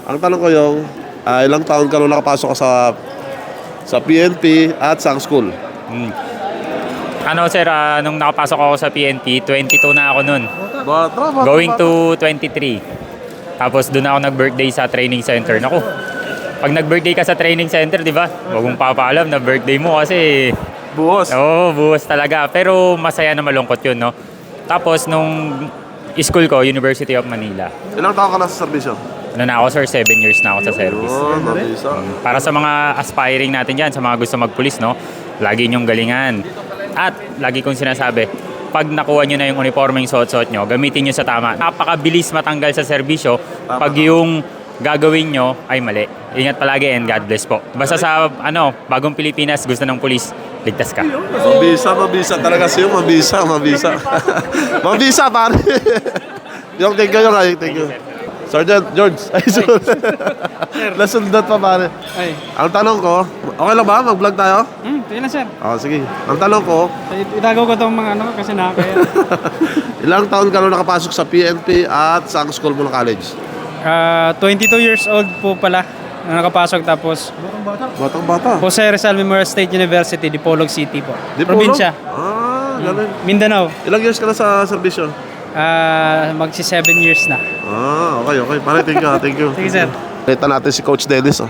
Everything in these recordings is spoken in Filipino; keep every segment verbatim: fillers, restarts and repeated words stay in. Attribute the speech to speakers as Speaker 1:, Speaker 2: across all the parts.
Speaker 1: Ang tanong ko yung, ah, ilang taon ka nung nakapasok ka sa sa P N P at sa school?
Speaker 2: Hmm. Ano sir, ah, nung nakapasok ako sa P N P, twenty-two na ako nun.
Speaker 1: Bata, bata,
Speaker 2: Going
Speaker 1: bata.
Speaker 2: to twenty-three. Tapos doon ako nag-birthday sa training center. Naku, pag nag-birthday ka sa training center, di ba? Huwag mong papaalam na birthday mo kasi
Speaker 1: Buhos.
Speaker 2: oo, buwas talaga. Pero masaya na malungkot yun, no? Tapos nung school ko, University of Manila.
Speaker 1: Ilang taon ka na sa serbisyo?
Speaker 2: Ano na ako sir, seven years na ako sa service.
Speaker 1: Oh, nabisa.
Speaker 2: Para sa mga aspiring natin dyan, sa mga gusto magpulis, no? Lagi nyong galingan. At lagi kong sinasabi, pag nakuha nyo na yung uniformeng suot-suot nyo, gamitin nyo sa tama. Napakabilis matanggal sa serbisyo pag yung gagawin nyo ay mali. Ingat palagi and God bless po. Basta sa ano, bagong Pilipinas, gusto ng pulis, ligtas ka.
Speaker 1: Mabisa, mabisa talaga siya. Mabisa, mabisa. Mabisa, pare. Yung thank you, yung ay, thank you. Sergeant George. Ay, sorry. Nasundat pa, pare.
Speaker 3: Ay,
Speaker 1: Ang tanong ko, okay lang ba? Mag-vlog tayo?
Speaker 3: hmm, sige na sir.
Speaker 1: Oo, sige. Ang tanong ko,
Speaker 3: It- Itagaw ko itong mga ano kasi nakakaya.
Speaker 1: ilang taon ka nung nakapasok sa P N P at sa school mo ng college?
Speaker 3: Ah, twenty-two years old po pala na nakapasok tapos
Speaker 1: Batang bata.
Speaker 3: Jose Rizal Memorial State University, Dipolog City po.
Speaker 1: Di
Speaker 3: Probinsya.
Speaker 1: Ah, ganun.
Speaker 3: Mindanao.
Speaker 1: Ilang years ka na sa serbisyo?
Speaker 3: Ah, magsi seven years na.
Speaker 1: Ah, okay, okay. Pare, thank you, ah, thank you.
Speaker 3: Sige sir.
Speaker 1: Kita natin si Coach Dennis, oh.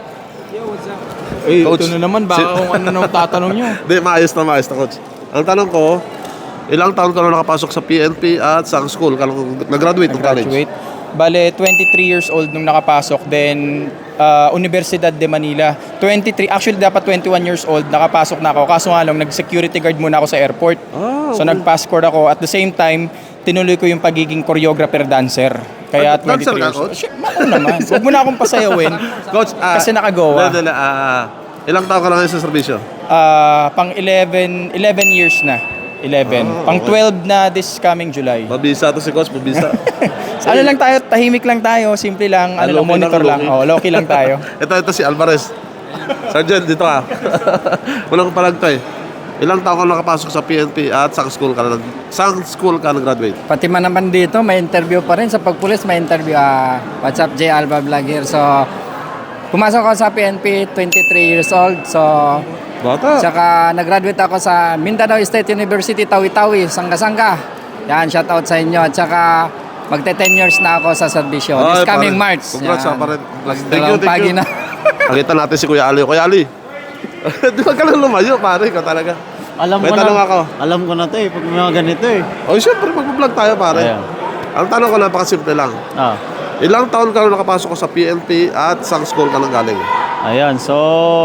Speaker 4: Eh,
Speaker 1: Coach,
Speaker 4: ito na naman, baka
Speaker 1: si-
Speaker 4: kung ano nang tatanong nyo.
Speaker 1: Hindi, maayos na, maayos na, Coach. Ang tanong ko, ilang taon ka nung nakapasok sa P N P at sa school ka nung nag-graduate ng college?
Speaker 4: Graduate. Bale, twenty-three years old nung nakapasok. Then, uh, Universidad de Manila. twenty-three, actually dapat twenty-one years old, nakapasok na ako. Kaso nga lang, nag-security guard muna ako sa airport.
Speaker 1: Ah,
Speaker 4: So,
Speaker 1: okay.
Speaker 4: nag-passport ako. At the same time, tinuloy ko yung pagiging choreographer-dancer. Kaya
Speaker 1: Ah, dancer
Speaker 4: twenty-three
Speaker 1: ka,
Speaker 4: years old.
Speaker 1: Coach?
Speaker 4: Shit, ako naman. Huwag mo na akong pasayawin.
Speaker 1: Coach, ah,
Speaker 4: Kasi nakagawa.
Speaker 1: Dala, dala, ah, ilang taon ka na ngayon sa serbisyo?
Speaker 4: Ah, pang eleven, eleven years na. eleven.
Speaker 1: Ah,
Speaker 4: Pang
Speaker 1: okay.
Speaker 4: twelve na this coming July.
Speaker 1: Mabisa to si Coach, mabisa.
Speaker 4: Ano lang tayo, tahimik lang tayo, simple lang,
Speaker 1: Ah,
Speaker 4: ano lang,
Speaker 1: low-key
Speaker 4: monitor
Speaker 1: lang,
Speaker 4: lang.
Speaker 1: low-key.
Speaker 4: Oh, low-key lang tayo.
Speaker 1: ito, ito si Alvarez. Sergeant, dito ka. Walang palag to eh. Ilang taon ka nakapasok sa P N P at sa school ka na, sa school ka nag-graduate?
Speaker 5: Pati man naman dito, may interview pa rin. Sa pagpulis, may interview. Ah, what's up, J. Alba Vlog here. So, pumasok ako sa P N P, twenty-three years old. So,
Speaker 1: Bata.
Speaker 5: tsaka nag-graduate ako sa Mindanao State University, Tawi-Tawi, Sangga-Sangga. Yan, shout out sa inyo. At saka, magte-ten years na ako sa serbisyo.
Speaker 1: Ay,
Speaker 5: This coming
Speaker 1: pare.
Speaker 5: March.
Speaker 1: Congrats,
Speaker 5: Yan.
Speaker 1: ah, pare. Thank you,
Speaker 5: Dalawang
Speaker 1: thank
Speaker 5: pagi
Speaker 1: you.
Speaker 5: na.
Speaker 1: Nakita natin si Kuya Ali. Kuya Ali. Di ba ka lang lumayo, pare? Ikaw talaga.
Speaker 6: Alam
Speaker 1: May
Speaker 6: ko
Speaker 1: tanong
Speaker 6: na,
Speaker 1: ako.
Speaker 6: Alam ko na to eh, pag may mga ganito eh.
Speaker 1: O, syempre, mag-vlog tayo, pare.
Speaker 6: Ayan.
Speaker 1: Ang tanong ko, napakasimple lang.
Speaker 6: Ah,
Speaker 1: Ilang taon ka nung nakapasok ko sa P N P at sa school ka nang galing?
Speaker 6: ayan, so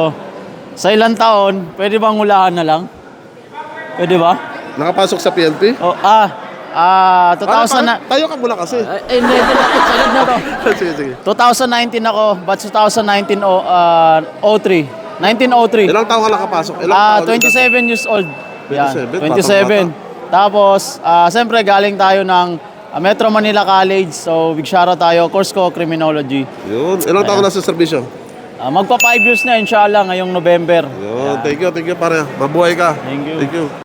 Speaker 6: sa ilang taon, pwede bang hulahan na lang? Pwede ba?
Speaker 1: Nakapasok sa P N P?
Speaker 6: Oh, ah, ah, two thousand na...
Speaker 1: Tayo ka muna kasi.
Speaker 6: Ay, hindi, hindi, sagad na to.
Speaker 1: sige, sige.
Speaker 6: twenty nineteen ako, batch twenty nineteen oh, uh, oh three. nineteen oh three.
Speaker 1: Ilang taon ka nakapasok? Ilang
Speaker 6: Ah,
Speaker 1: taon?
Speaker 6: twenty-seven years old. Yan,
Speaker 1: twenty-seven,
Speaker 6: twenty-seven. Tapos, ah, siyempre galing tayo ng ah, Metro Manila College. So, big shoutout tayo. Course ko, Criminology.
Speaker 1: Yun. Ilang taon ka na sa serbisyo?
Speaker 6: Ah, magpa five years na, inshallah, ngayong November.
Speaker 1: Yun. Thank you, thank you, pare. Mabuhay ka.
Speaker 6: Thank you.
Speaker 1: Thank you.